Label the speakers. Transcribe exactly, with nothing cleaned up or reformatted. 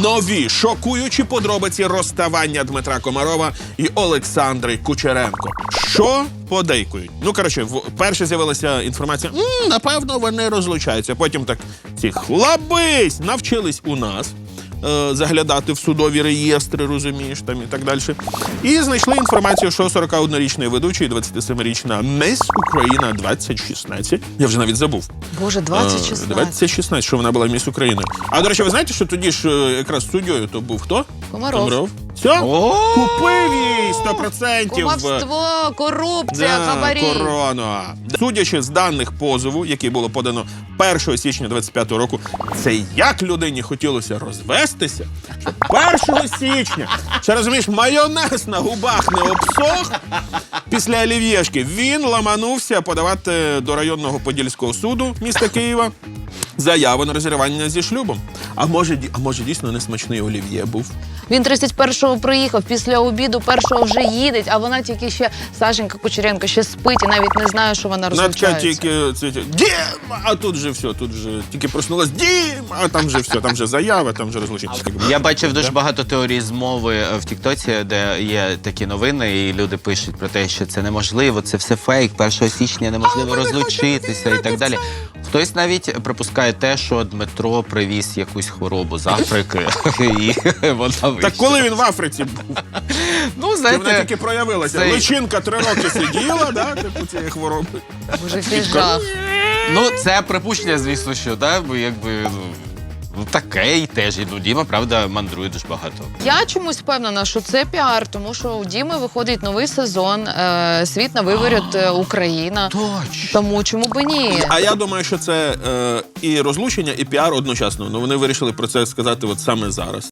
Speaker 1: нові шокуючі подробиці розставання Дмитра Комарова і Олександри Кучеренко. Що подейкують? Ну, коротше, перше з'явилася інформація, М, напевно, вони розлучаються. Потім так, ці хлабись навчились у нас е, заглядати в судові реєстри, розумієш, там і так далі. І знайшли інформацію, що сорокаоднорічний ведучий і двадцятисемирічна Міс Україна двадцять шістнадцять. Я вже навіть забув.
Speaker 2: Боже, двадцять шістнадцять.
Speaker 1: двадцять шістнадцять, що вона була Міс України. А, до речі, ви знаєте, що тоді ж е, якраз суддєю то був хто?
Speaker 2: Комаров.
Speaker 1: Комаров. Все? Купив їй сто процентів.
Speaker 2: Кумовство, корупція,
Speaker 1: Да,
Speaker 2: хабарі.
Speaker 1: корона. Судячи з даних позову, який було подано першого січня двадцять п'ятого року, це як людині хотілося розвестися, що першого січня, ще розумієш, майонез на губах не обсох, після олів'єшки він ламанувся подавати до районного Подільського суду міста Києва заяву на розірвання зі шлюбом. А може, а може дійсно несмачний олів'є був?
Speaker 2: Він тридцять першого приїхав, після обіду першого вже їде, а вона тільки ще, Сашенька Кучеренко, ще спить і навіть не знає, що вона
Speaker 1: На
Speaker 2: розлучається.
Speaker 1: тільки це, Дім! А тут же все, тут же тільки проснулась Дім! А там же все, там же заява, там же розлучення.
Speaker 3: Я бачив дуже багато теорій змови в Тіктоці, де є такі новини, і люди пишуть про те, що це неможливо, це все фейк, першого січня неможливо розлучитися і так далі. Хтось навіть припускає те, що Дмитро привіз якусь хворобу з Африки, і вона вийшла.
Speaker 1: Так коли він в Африці був?
Speaker 3: Ну,
Speaker 1: Чи
Speaker 3: знаєте,
Speaker 1: вона тільки проявилася?
Speaker 3: цей-
Speaker 1: Личинка три роки сиділа, да, типу цієї хвороби.
Speaker 2: Боже, який жах.
Speaker 3: ну, це припущення, звісно, що, да, бо якби, ну, ну, таке і теж. І, ну, Діма, правда, мандрує дуже багато.
Speaker 2: Я чомусь впевнена, що це піар, тому що у Діми виходить новий сезон е, «Світ на виворіт е, Україна».
Speaker 3: Точно.
Speaker 2: Тому чому б ні?
Speaker 1: А я думаю, що це е, і розлучення, і піар одночасно. Ну вони вирішили про це сказати от саме зараз.